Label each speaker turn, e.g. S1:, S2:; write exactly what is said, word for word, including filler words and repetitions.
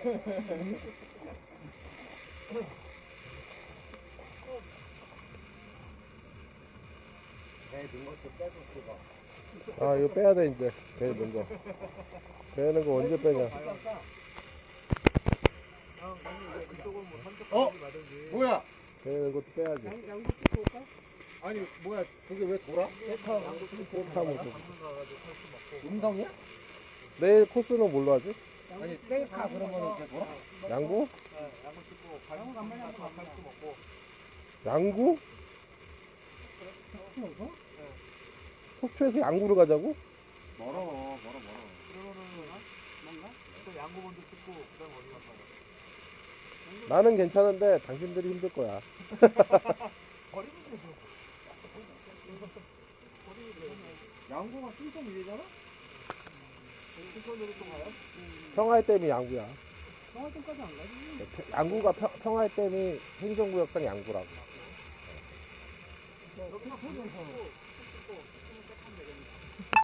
S1: 배 넣은 것좀 빼고 쓰고.
S2: 아 이거 빼야 돼 이제. 배 넣은 거. 배 넣은 거 언제 빼냐.
S1: 어? 뭐야?
S2: 배 넣은 것도 빼야지.
S1: 아니 뭐야 그게 왜 돌아?
S2: 셀카 모드.
S1: 음성이야?
S2: 내일 코스는 뭘로 하지?
S1: 아니 셀카 그러면 이렇게 돌아?
S2: 양구? 양구? 속초에서 양구로 가자고?
S1: 멀어 멀어 멀어.
S3: 양구 먼저 찍고 그다음 어디 갔다
S2: 나는 괜찮은데 당신들이 힘들 거야.
S3: 버리면 되죠.
S1: 양구가 춘천 위에잖아?
S3: 춘천으로 또 가요?
S2: 평화의 댐이 양구야.
S3: 평화점까지 안 가지.
S2: 양구가 평, 평화의 댐이 행정구역상 양구라고.
S3: 여기가 소정선.